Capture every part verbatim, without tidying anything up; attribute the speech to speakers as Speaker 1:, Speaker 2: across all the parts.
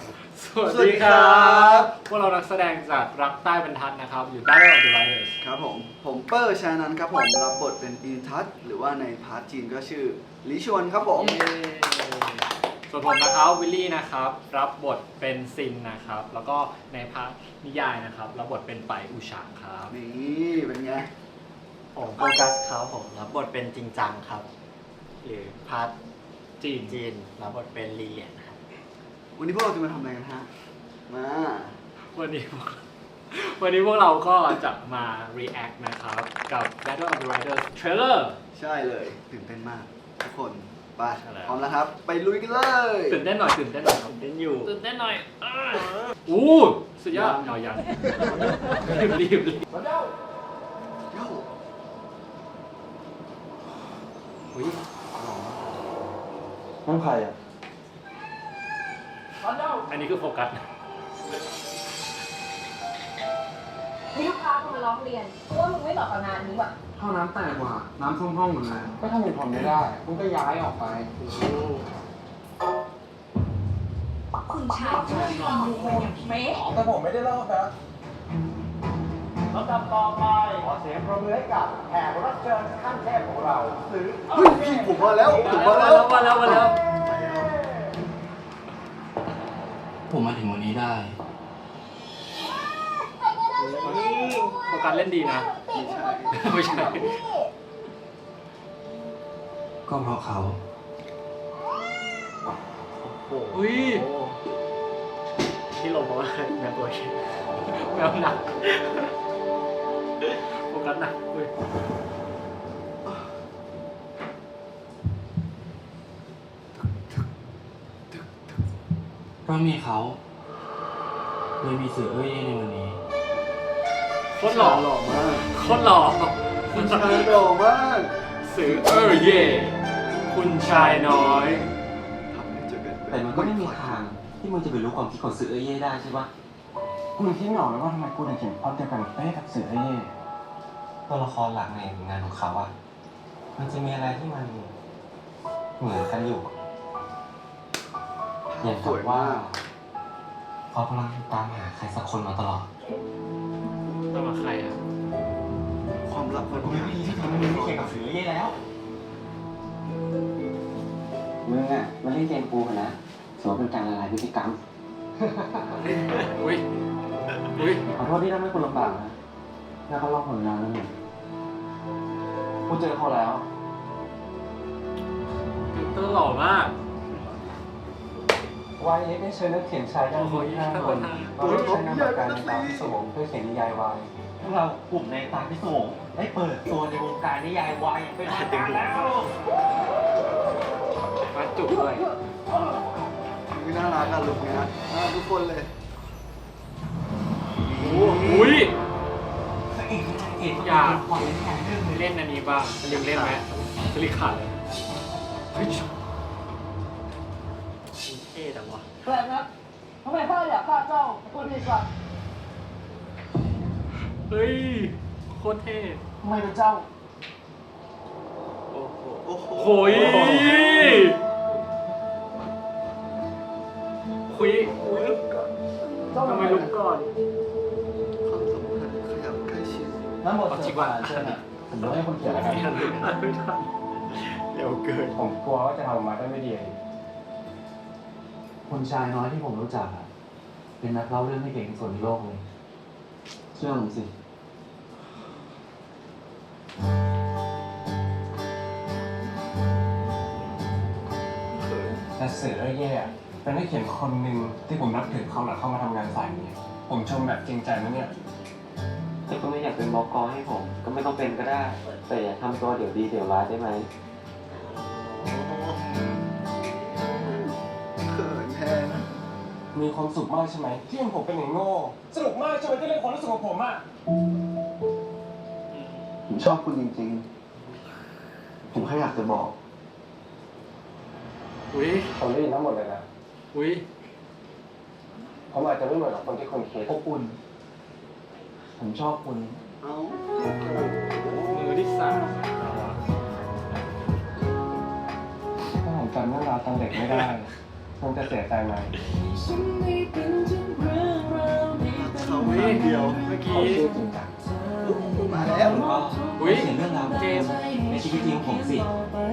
Speaker 1: สวัสดีครับพวกเรานักแสดงจากรักใต้บรรทัดนะครับอยู่ Battle of the Riders
Speaker 2: ครับผมผมเปอร์ชานันครับผมรับบทเป็นอินทัศหรือว่าในพาร์ทจีนก็ชื่อลิชวนครับผม
Speaker 1: ส่วนผมนะครับวิลลี่นะครับรับบทเป็นซินนะครับแล้วก็ในพาร์ทนิยายนะครับรับบทเป็นไปอูฉางครับ
Speaker 2: นี่เป็นไง
Speaker 3: ผมโฟกัสครับผมรับบทเป็นจริงจังครับ หรือพาร์ท
Speaker 1: จีน
Speaker 3: จีนรับบทเป็นลีเลียนครับ
Speaker 2: วันนี้พวกเราจะมาทำอะไรกันฮะมา
Speaker 1: วันนี้พวกวันนี้พวกเราก็จะมา react นะครับกับ Battle of the Riders trailer
Speaker 2: ใช่เลยตื่นเต้นมากทุกคนไป
Speaker 1: ใช่แล้ว
Speaker 2: พร้อมแล้วครับ ไปลุยกันเลย
Speaker 1: ตื่นเต้นหน่อยตื่นเต้นหน่อยครับ
Speaker 3: เล่นอยู่
Speaker 1: ตื่นเต้นหน่อยอ้าวอู้สุดยอดเอายังรีบรีบรีบ
Speaker 2: โย่
Speaker 1: อุ้ย
Speaker 2: นั่นใครอ่ะ
Speaker 1: อันนี้คือโฟกัส
Speaker 4: มีลูกค้าเข้ามาร้องเรียนว่ามึงไม่ตอบกับงานนี้ว่ะ
Speaker 5: ห้องน้ำแตกว่ะน้ำท่วมห้องหมดเลยก็ถ้ามึงทนไม่ได้มึงก็ย้ายออกไป
Speaker 4: คุณชายช่วยลองดูเมฆ
Speaker 5: แต่ผมไม่ได้เล่านะ
Speaker 6: ลำดับต่อไปขอเสียงปรบมือให้กับแขกรับเชิญขั้นเทพของเราซื้อ
Speaker 2: เฮ้ยพี่ผมมาแล้วผมมา
Speaker 1: มา
Speaker 2: แล้
Speaker 1: แล้ว วมาแล้วมาแล้ว
Speaker 7: ผมมาถึงวันนี้ได้
Speaker 1: โฟกัสเล่นดีนะ ไม่ใช่
Speaker 7: ก็เพราะเขา
Speaker 1: อุ้ย
Speaker 3: ที่ลงเพราะว่าแมวตัวเอง
Speaker 1: แมวหนักโฟกัสหนักอุ้ย
Speaker 7: เพราะมีเขาเลยมีสื่อเอ้ยในวันนี้
Speaker 1: โคตรหล่อ
Speaker 2: หล่อมาก
Speaker 1: โคตรหล่อ
Speaker 2: คุณชายหล่อมาก
Speaker 1: สื่อเออเย่คุณชายน้อย
Speaker 2: ทำให้เจอกัน
Speaker 8: แต่มันก็ไม่มีทางที่มึงจะไปรู้ความคิดของสื่อเอเย่ได้ใช่ปะ
Speaker 5: กูคิดไม่ออกเลยว่าทำไมกูถึงเขียนพล็อตเดียวกันเป๊ะกับสื่อเอเย่
Speaker 8: ตัวละครหลักในงานของเขาอะมันจะมีอะไรที่มันเหมือนกันอยู่ อย่าง
Speaker 2: ส
Speaker 8: กับ
Speaker 2: วย
Speaker 8: ว่า
Speaker 2: มาก
Speaker 8: เขากำลังตามหาใครสักคนมาตลอด
Speaker 1: ต้องมาใครอ่ะ
Speaker 2: ความลับมัน
Speaker 5: กูไม่มีที่ทำให้มึงไม่เขียนกับสื่อเอเย่แล้ว
Speaker 8: มึงอะมาเล่นเกมกูกันนะถือว่าเป็นการละลายพฤติกรรม
Speaker 1: อุ้ย อุ้ย
Speaker 8: ขอโทษที่ทำให้คุณลำบากนะแล้วเขาลอกผลงานแล้วเนี่ยกูเจอเขาแล้ว
Speaker 1: ฟิลเตอร์หล่อมาก
Speaker 5: วายเอ็กได้เชิญนักเขียนชายด้านบนห้าคนมาร่วมใช้นามปากกาในตามพิศวงเพื่อเขียนนิยายวาย
Speaker 8: พวกเรากลุ่มในตาพิศวงได้เปิดตัวในวงการนิยายวายอย่างเป็นทางการแล้ว
Speaker 1: มาจุกด้วย
Speaker 2: นี่น่ารักอะลุคเนี้ยน่ารักทุกคนเลย
Speaker 1: อุ้ย
Speaker 8: เอ็ด
Speaker 1: อยากเล่นอันนี้บ้างลืมเล่นไหมสลิขาดเลยเฮ้ย
Speaker 3: เท่จังวะ
Speaker 4: แปลกนะทำไมพ่ออยากฆ่าเจ้าคนดีกว่า
Speaker 1: เฮ้ย โคตรเท่
Speaker 5: ทำไมเป็นเจ้า
Speaker 1: โอ้โห
Speaker 2: โอ้โห
Speaker 1: โอ้ยคุยทำไมลุกก่อน
Speaker 2: ความสัมพันธ์ขยับใกล้ชิด
Speaker 5: น้ำหมด
Speaker 1: เอาจริ
Speaker 5: เสื
Speaker 1: ง
Speaker 5: อ
Speaker 1: ว่ะ
Speaker 5: ป่าเชิญอะผมรู้ให้คนเขียนแล้วกัน
Speaker 1: ไม่ทันไม่ทัน
Speaker 3: เร็วเกิน
Speaker 5: ผมกลัวว่าจะทำออกมาได้ไม่ดี
Speaker 8: คนชายน้อยที่ผมรู้จักอะเป็นนักเล่าเรื่องที่เก่งที่สุดในโลกเลย เชื่อผมสิ
Speaker 5: แต่สื่อเอเย่อะเป็นนักเขียนคนหนึ่งที่ผมนับถือเขาหลังเข้ามาทำงานสายนี้ ผมชมแบบจริงใจนะเนี่ย
Speaker 8: แต่ก็ไม่อยากเป็นบอกอให้ผม ก็ไม่ต้องเป็นก็ได้ แต่อย่าทำตัวเดี๋ยวดีเดี๋ยวร้ายได้ไหม
Speaker 2: เขินแทน
Speaker 5: มีความสุขมากใช่ไหมที่เห็นผมเป็นอย่างโง่สนุกมากใช่ไหมที่เล่นความรู้สึกของผมอะ
Speaker 2: ผมชอบคุณจริงๆ ผมแค่อยากจะบอก
Speaker 1: อุ้ย
Speaker 5: ผมได้ยินทั้งหมดเลยนะ
Speaker 1: อุ้ย
Speaker 5: ผมอาจจะไม่เหมือนกับคนที่คุณคิด
Speaker 8: อบอุ่น ผมชอบคุณ
Speaker 2: เอ้า
Speaker 1: มือที่สามเราอะ
Speaker 5: ถ้าผมจำเรื่องราวตอนเด็กไม่ได้คงจะเสียใจไหม
Speaker 4: ฉันไม่
Speaker 2: เดียว
Speaker 1: เมื่อกี้
Speaker 8: เขาชื่อจริงจัง
Speaker 2: มาแล้ว
Speaker 8: ผมก็
Speaker 1: อุ๊ย
Speaker 8: เขียนเรื่องราวของ
Speaker 1: เจมส์
Speaker 8: ผมในชีวิตจริงของผมสิ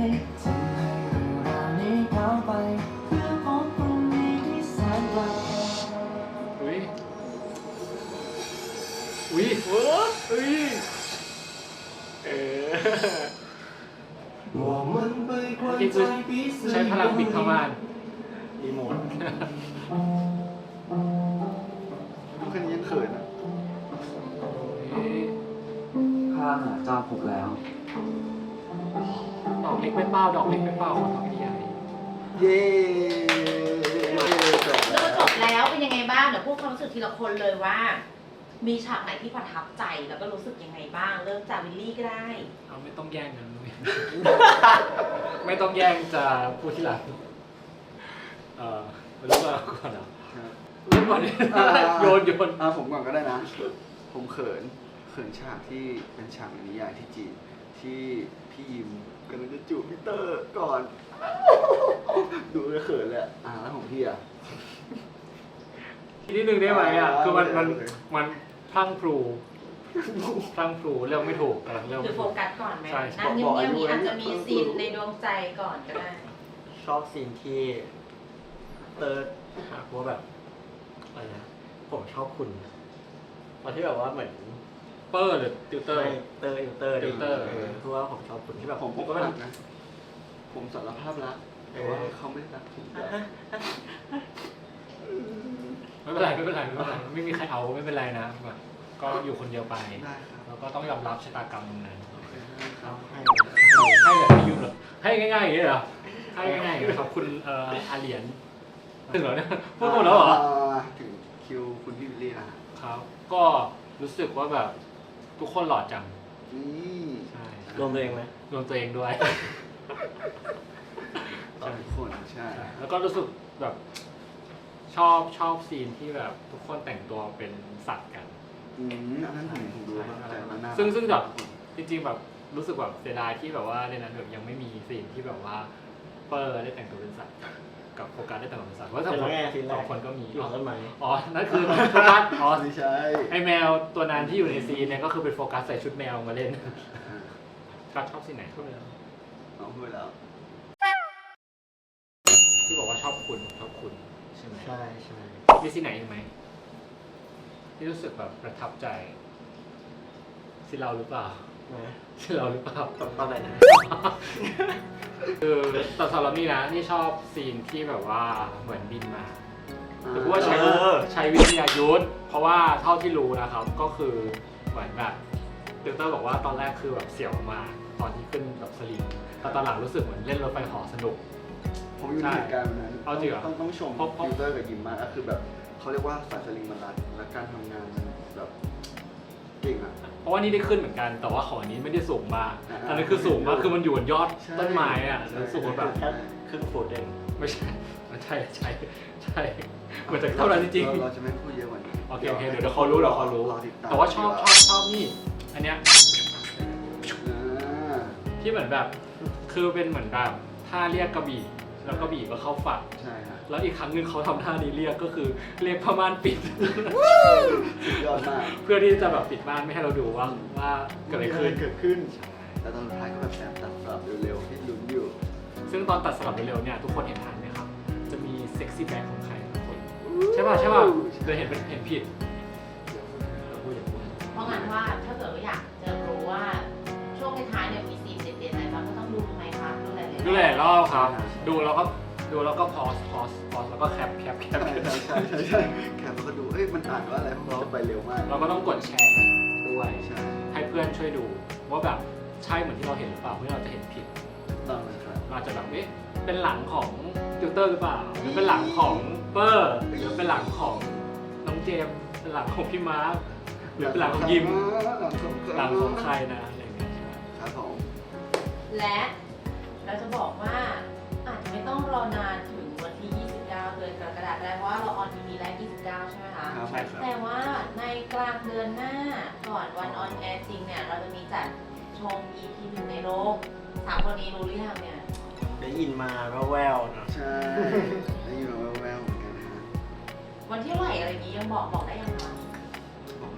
Speaker 1: อุ้ยอุ้ยเว้ออุ้ยเออเมื่อกี้คือใช้พลังปิดผ้าม่าน
Speaker 3: รีโมท
Speaker 2: ดูแค่นี้ยังเขินอ่ะ
Speaker 1: เอ๊ะ
Speaker 8: ข้าหาเจ้าพบแล้ว
Speaker 1: ดอกเล็กไม่เป้าดอกเล็กไม่เป้าของพี่ใหญ่
Speaker 2: เย้จบ
Speaker 4: ดู
Speaker 2: แล้ว
Speaker 4: จบแล้วเป็นยังไงบ้างเดี๋ยวพูดความรู้สึกทีละคนเลยว่า มีฉากไหนที่ประทับใจแล้วก็รู้สึกยังไงบ้าง เริ่มจากวิลลี่ก็ได้
Speaker 1: เอาไม่ต้องแย่งกันนุ้ย ไม่ต้องแย่งจะพูดที่หลังเออเริ่มก่อนก่อนเหรอ
Speaker 2: ครับ
Speaker 1: เริ่มก่อนดิ
Speaker 2: อ่า
Speaker 1: โยนโยน
Speaker 2: อ่าผมก่อนก็ได้นะ ผมเขิน เขินฉากที่เป็นฉากในนิยายที่จีนที่พี่ยิมกำลังจะจูบพี่เตอร์ก่อน ดูแล้วเขินเลยอะอ่าแล้วของพี่อ่ะ
Speaker 1: ทีนิดนึงได้ไหมอ่ะ
Speaker 2: อ่า
Speaker 1: คือมันมัน
Speaker 2: โอเค
Speaker 1: มันพลังพลูพลังพลูเรื่องไม่ถูกกำลังเรื่อง
Speaker 4: หรือ
Speaker 1: ไม่
Speaker 4: โฟ
Speaker 1: ถูก
Speaker 4: กัสก่อนไหม
Speaker 1: ใช่
Speaker 4: นั่งเงียบๆนี้อาจจะมีซีนในดวงใจก่อนก็ได้
Speaker 3: ชอบซีนที่เติร์ดหักว่าแบบอะไรนะผมชอบคุณตอนที่แบบว่าเหมือน
Speaker 1: เปอร์หรือติวเตอร์
Speaker 3: ไม่เตอร์อยู่เตอร์ดิ
Speaker 1: ติวเตอร์
Speaker 3: เพราะว่าผมชอบคุณที่แบบ
Speaker 2: ผมผม
Speaker 3: ก็
Speaker 2: ก็
Speaker 3: แบ
Speaker 2: รับ กนะ ผมสารภาพรักแต่ว่าเขาไม่ได้รักผมด้วย
Speaker 1: ไม่เป็นไรไม่เป็นไรไม่เป็นไรไม่มีใครเอาไม่เป็นไรนะแบบก็อยู่คนเดียวไป
Speaker 2: ได้ครับ
Speaker 1: แล้วก็ต้องยอมรับชะตากรรมตรงนั้น
Speaker 2: โอเคได้ครับ
Speaker 3: ให้
Speaker 1: ให้แบบไม่ยุ่งหรอให้ง่ายๆอย่างนี้เหรอให้ง่ายๆอย่างนี้ขอบคุณเอ่ออาเหรียญถึงเหรอเนี่ยพูดหมดแล้วเหรอ
Speaker 2: าถึงคิวคุณพี่วิลลี่นะฮะ
Speaker 1: ครับ ก็รู้สึกว่าแบบทุกคนหล่อจัง
Speaker 2: นี่
Speaker 1: ใช่
Speaker 3: รวมตัวเองไหม
Speaker 1: รวมตัวเองด้วย
Speaker 2: ต่อทุกคนใช่
Speaker 1: แล้วก็รู้สึกแบบชอบชอบซีนที่แบบทุกคนแต่งตัวเป็นสัตว์กัน
Speaker 2: อืมอันนั้นผมผมดูครับแต่มันน่ารัก
Speaker 1: ซึ่งซึ่งแบบจริงๆแบบรู้สึกแบบเสียดายที่แบบว่าในนั้นแบบยังไม่มีซีนที่แบบว่าเปอร์ได้แต่งตัวเป็นสัตว์กับโฟกัสได้แต่งตัวเป็นสัตว์เพราะสอง
Speaker 3: เป็น
Speaker 1: คน
Speaker 3: แง่ซีนแร
Speaker 1: สอก งคนก็มี
Speaker 3: หลอกต้นไม้
Speaker 1: อ๋อนั่นคือโฟกัสอ๋อ
Speaker 2: ไม่ใช่
Speaker 1: ไอแมวตัวนั้นที่อยู่ในซีนเนี่ยก็คือเป็นโฟกัสใส่ชุดแมวมาเล่น
Speaker 2: อ่า
Speaker 1: กัสชอบซีนไหนชอบเลย
Speaker 2: น้องพูดแล้ว
Speaker 1: ที่บอกว่าชอบคุณชอบคุณใช่ไหม
Speaker 3: ใช่ใช่
Speaker 1: มีซีนไหนอีกไหมที่รู้สึกแบบประทับใจซีนเราหรือเปล่า
Speaker 3: นะ
Speaker 1: ซีนเราหรือเปล่า
Speaker 3: ตอนตอนไหนนะ
Speaker 1: คือแต่สำหรับนี่นะนี่ชอบซีนที่แบบว่าเหมือนบินมาหรือว่าใช้
Speaker 3: เออ
Speaker 1: ใช้วิทยายุทธเพราะว่าเท่าที่รู้นะครับก็คือเหมือนแบบติวเตอร์บอกว่าตอนแรกคือแบบเสียวมากตอนที่ขึ้นแบบสลิงแต่ตอนหลังรู้สึกเหมือนเล่นรถไฟเหอสนุก
Speaker 2: ผมอยู่ในเหตุการณ์วันนั้น
Speaker 1: เอาจริงเหรอ
Speaker 2: ต้องต้องชม
Speaker 1: เพราะเพราะ
Speaker 2: ฟิลเตอร์กับยิมมากก็คือแบบเขาเรียกว่าสายสลิงมันรัดและการทำงานมันแบบเก่งอ่ะ
Speaker 1: เพราะว่านี่ได้ขึ้นเหมือนกันแต่ว่าของอันนี้ไม่ได้สูงมาก
Speaker 2: อ่า
Speaker 1: ตอนนี้นคือสูงมากคือมันอยู่บนยอด
Speaker 2: ใช่
Speaker 1: ต้นไม้อะแล้วรู้สึกว่าแบบ
Speaker 3: แค่ครึ่งฟุตเอง
Speaker 1: ไม่ใช่มันใช่ใช่ใช่เหมือนจะเท่านั้นจริง
Speaker 2: เรา
Speaker 1: ๆ
Speaker 2: เราจะไม่พูดเยอะกว่านี้
Speaker 1: โอเคโอเคเดี๋ยวเดี๋ยวเขารู้เดี๋ยวเขารู้
Speaker 2: ติดม
Speaker 1: แต่ว่าชอบชอบชอบนี่ อันเนี้ย
Speaker 2: อ่า
Speaker 1: ที่เหมือนแบบ คือเป็นเหมือนแบบท่าเรียกกระบี่แล้วกระบี่ก็เข้าฝัก
Speaker 2: ใช่ฮะ
Speaker 1: แล้วอีกครั้งหนึ่งเขาทำท่านี้เรียกก็คือเรียกผ้าม่านปิด
Speaker 2: สุดยอดมาก
Speaker 1: เพื่อที่จะแบบปิดม่านไม่ให้เราดูว่าว่าเกิดอะไรขึ้น
Speaker 2: เกิดขึ้น แต่ตอนสุดท้ายก็แบบแอบตัดสลับเร็วๆให้ลุ้นอยู่
Speaker 1: ซึ่งตอนตัดสลับเร็วๆเนี่ยทุกคนเห็นทันไหมครับ จะมีเซ็กซี่แบ็คของใครบางคนใช่ป่ะใช่ป่ะเลยเห็นเป็นเห็นผิดเดี๋ยวพูดอย่าพูด
Speaker 4: เพราะงั้นว่าถ้าเกิดว่าอยากจะรู้ว่าช่วงท้ายๆเนี่ยมีซีนเด็ดๆอะไรบ้างก็ต้องดูไหมคะดูหลายๆ
Speaker 1: ดูหลายรอบครับ ดูแล้วก็ดูแล้วก็พอสพอสพอสแล้วก็แคปแคปแคป
Speaker 2: ใช่ใช่ใช่ใช่ใช่แคปแล้วก็ดู เอ้ย มันอ่านว่าอะไรเพราะมันจะไปเร็วมาก
Speaker 1: เราก็ต้องกดแชร์ด้วย
Speaker 2: ใช่
Speaker 1: ให้เพื่อนช่วยดูว่าแบบใช่เหมือนที่เราเห็นหรือเปล่าเพื่อเราจะเห็นผิด
Speaker 2: ต้องนะครับ
Speaker 1: เราอาจจะแบบเอ๊ะเป็นหลังของติวเตอร์หรือเปล่าหรือเป็นหลังของเปอร์หรือเป็นหลังของน้องเจมส์เป็นหลังของพี่มาร์คหรือเป็นหลังของยิม
Speaker 2: หลังของ
Speaker 1: หลังของใครนะอะไรอย่างเงี้ย
Speaker 2: ครับผม
Speaker 4: และเราจะบอกว่าอาจจะไม่ต้องรอนานถึงวันที่ ยี่สิบเก้า เดือนกรกฎาคมได้เพราะว่าเราออน อี พี แรก ยี่สิบเก้า ใช่ไหมคะ
Speaker 2: ครับ
Speaker 1: ใช่ครับ
Speaker 4: แต่ว่าในกลางเดือนหน้าก่อนวันออนแอร์จริงเนี่ย เราจะมีจัดชม อี พี หนึ่งในโรงสามคนนี้รู้หรือยังเนี่ย
Speaker 3: ได้ยินมาแววๆเนอะ
Speaker 2: ใช่ได้ยินมาแววๆเหมือนกันนะฮะ
Speaker 4: วันที่เท่าไหร่อะไรอย่างนี้ยังบอกบอกได้ยังคะ
Speaker 2: บอก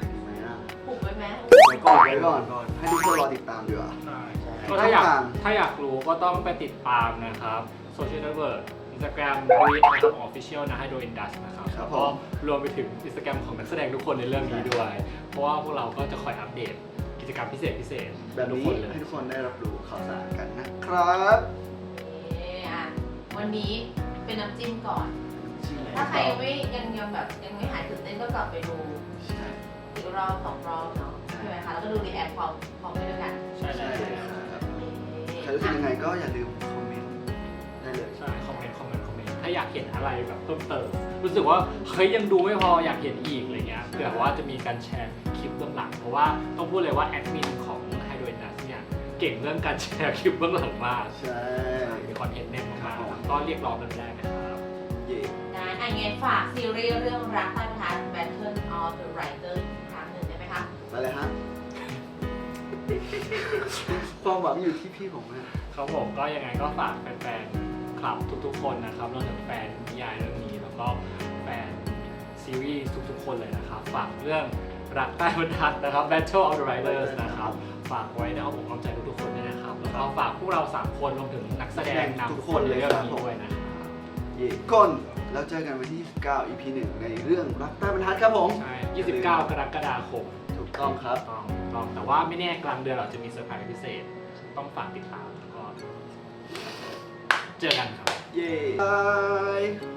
Speaker 4: ไหม
Speaker 2: ไว้ก่อนไว้ก่อนให้ทุกคนรอติดตามดีกว่า
Speaker 1: ใช่
Speaker 3: ใช่
Speaker 1: ก็ถ้าอยาก
Speaker 2: ช่องทาง
Speaker 1: ถ้าอยากรู้ก็ต้องไปติดตามนะครับโซเชียลเน็ตเวิร์กอินสตาแกรมรีดนะครับออฟฟิเชียลนะให้โดยอินดัสนะครับ
Speaker 2: ครับ
Speaker 1: แล้วก็
Speaker 2: ผม
Speaker 1: รวมไปถึงอินสตาแกรมของนักแสดงทุกคนในเรื่องนี้ด้วย เพราะว่าพวกเราก็จะคอยอัปเดตกิจกรรมพิเศษพิเศษ
Speaker 2: แบบ
Speaker 1: ทุก
Speaker 2: นี้
Speaker 1: คนเลย
Speaker 2: ให้ทุกคนได้รับรู้ข่าวสารกันนะครับ
Speaker 4: เอ่ออ่ะวันนี้เป็นน้ำจิ้มก่อน
Speaker 2: จริง
Speaker 4: ถ้าใครยังไม่ยังยังแบบยังไม่หายตื่นเต้นก็กลับไปดู
Speaker 2: ใช่
Speaker 4: อีกรอบสองรอบเนาะใช่ไหมคะแล้วก็ดูรีแอคพร้อมพร้อมไปด้วยกัน
Speaker 1: ใช่
Speaker 2: ใช่
Speaker 1: ใช่
Speaker 2: ครับใครรู้สึกยังไงก็อย่าลืมคอมเมนต์ได้เลย
Speaker 1: ใช่คอมเมนต์คอมเมนต์คอมเมนต์ถ้าอยากเห็นอะไรแบบเพิ่มเติมรู้สึกว่าเฮ้ยยังดูไม่พออยากเห็นอีกอะไรเงี้ยเผื่อว่าจะมีการแชร์คลิปเบื้องหลังเพราะว่าต้องพูดเลยว่าแอดมินของไฮโดรนัสเนี่ยเก่งเรื่องการแชร์คลิปเบื้องหลังมาก
Speaker 2: ใช่
Speaker 1: มีคอนเทนต์แน่นมากๆก็เรียกร้องกันได้นะครับ
Speaker 2: เย่
Speaker 4: นะอ่ะยังไงฝากซีรีส์เรื่องรักใต้ประธาน Battle of the Writer อีกครั้งหนึ่งได้ไหมคะ
Speaker 2: ไปเลยฮะ ความหวังอยู่ที่พี่ผมนะครับ
Speaker 1: ผมก็ยังไงก็ฝากแฟนๆคลับทุกๆคนนะครับรวมถึงแฟนนิยายเรื่องนี้แล้วก็แฟนซีรีส์ทุกๆคนเลยนะครับฝากเรื่องรักใต้บรรทัดนะครับ Battle of the Writers นะครับฝากไว้ในอ้อมอกอ้อมใจทุกๆคนด้วยนะครับแล้วก็ฝากพวกเราสามคนรวมถึงนักแสดงนำทุกคนในเรื่องนี้ด้วยนะครับ
Speaker 2: เย่ก้นแล้วเจอกันวันที่ยี่สิบเก้า อี พี หนึ่งในเรื่องรักใต้บรรทัดครับผม
Speaker 1: ใช่ ยี่สิบเก้า กรกฎาคม
Speaker 2: ถูกต้องครับ
Speaker 1: ต้องต้องแต่ว่าไม่แน่กลางเดือนเราจะมีเซอร์ไพรส์พิเศษ ต้องฝากติดตามแล้วก็เจอกันครับ
Speaker 2: เย่บาย